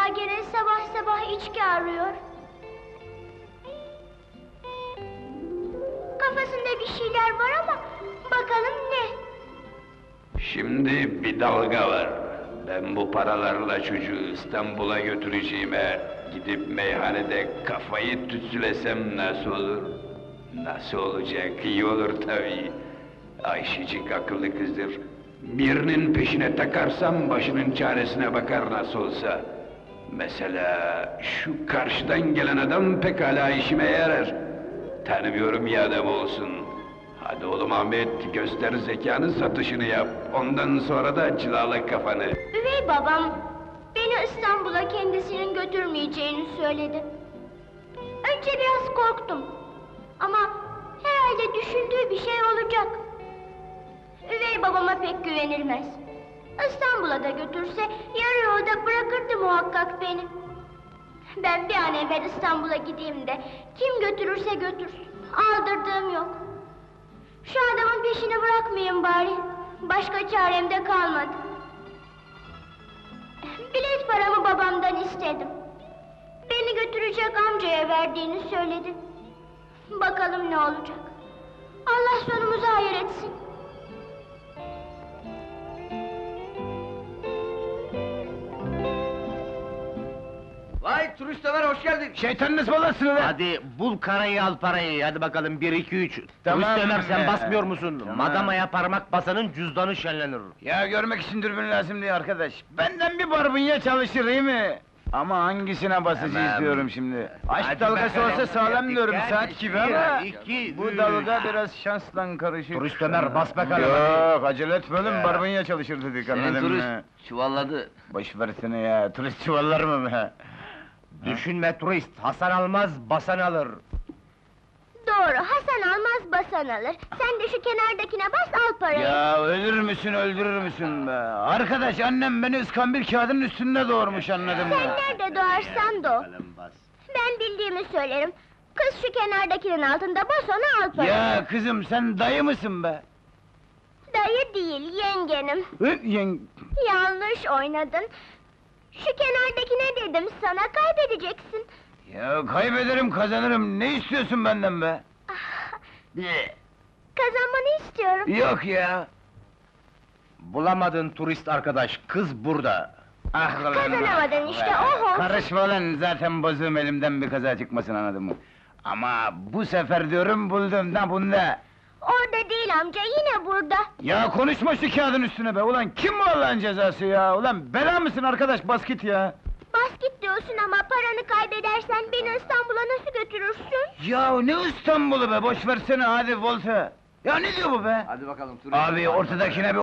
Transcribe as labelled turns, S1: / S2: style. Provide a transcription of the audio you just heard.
S1: acaba gene sabah sabah içki arıyor? Kafasında bir şeyler var ama bakalım ne?
S2: Şimdi bir dalga var. Ben bu paralarla çocuğu İstanbul'a götüreceğime gidip meyhanede kafayı tütsülesem nasıl olur? Nasıl olacak? İyi olur tabii. Ayşecik akıllı kızdır. Birinin peşine takarsam başının çaresine bakar nasıl olsa. Mesela şu karşıdan gelen adam pekala işime yarar. Tanımıyorum ya adam olsun. Hadi oğlum Ahmet, göster zekanı, satışını yap. Ondan sonra da cilala kafanı.
S1: Üvey babam beni İstanbul'a kendisinin götürmeyeceğini söyledi. Önce biraz korktum. Ama herhalde düşündüğü bir şey olacak. Üvey babama pek güvenilmez. İstanbul'a da götürse yarı yolda bırakırdı muhakkak beni. Ben bir an evvel İstanbul'a gideyim de kim götürürse götürsün. Aldırdığım yok. Şu adamın peşini bırakmayayım bari. Başka çarem de kalmadı. Bilet paramı babamdan istedim. Beni götürecek amcaya verdiğini söyledi. Bakalım ne olacak. Allah sonumuzu hayır etsin.
S3: Vay turist Ömer, hoş geldin.
S4: Şeytanın ısmarlasın lan!
S3: Hadi bul karayı, al parayı, hadi bakalım, 1, 2, 3.
S4: Tamam.
S3: Turist Ömer, sen basmıyor musun?
S4: Tamam.
S3: Madamaya parmak basanın cüzdanı şenlenir.
S4: Ya görmek için dürbün lazım diye arkadaş. Benden bir barbunya çalışır iyi mi? Ama hangisine basıcı
S3: Tamam.
S4: istiyorum şimdi? Aşk
S3: Hadi
S4: dalgası
S3: bakalım.
S4: olsa sağlam diyorum
S3: Dikkat,
S4: saat gibi
S3: bir,
S4: ama...
S3: iki,
S4: Bu
S3: üç.
S4: dalga biraz şansla karışık.
S3: Turist Ömer, bas bakalım,
S4: Yok, acele etme oğlum,
S3: Ya.
S4: barbunya çalışır dedik, anladın mı?
S3: çuvalladı.
S4: Boş versene ya, turist çuvallar mı be?
S3: Düşünme turist, Hasan almaz, basan alır.
S1: Doğru, Hasan almaz basan alır. Sen de şu kenardakine bas al parayı.
S4: Ya ölür müsün, öldürür müsün be? Arkadaş, annem beni ıskambil kağıdının üstünde doğurmuş, anladın mı?
S1: Sen nerede doğarsan doğ.
S3: Bakalım, bas.
S1: Ben bildiğimi söylerim. Kız şu kenardakinin altında bas onu al parayı.
S4: Ya kızım, sen dayı mısın be?
S1: Dayı değil, yengenim. Yanlış oynadın. Şu kenardakine dedim sana, kaybedeceksin.
S4: Ya kaybederim, kazanırım, ne istiyorsun benden be?
S1: Ah, kazanmanı istiyorum.
S4: Yok ya!
S3: Bulamadın turist arkadaş, kız burada.
S4: Ah lan!
S1: Kazanamadın işte, oho!
S4: Karışma lan, zaten bozuğum, elimden bir kaza çıkmasın, anladın mı? Ama bu sefer diyorum, buldum da bunda!
S1: Orada değil amca, yine burada.
S4: Ya konuşma şu kağıdın üstüne be! Ulan kim bu Allah'ın cezası ya? Ulan bela mısın arkadaş, bas git ya!
S1: Bas git diyorsun ama paranı kaybedersen beni İstanbul'a nasıl götürürsün?
S4: Ya ne İstanbul'u be, boş versene hadi Volta! Ya ne diyor bu be?
S3: Hadi bakalım turist.
S4: Abi ortadakine bir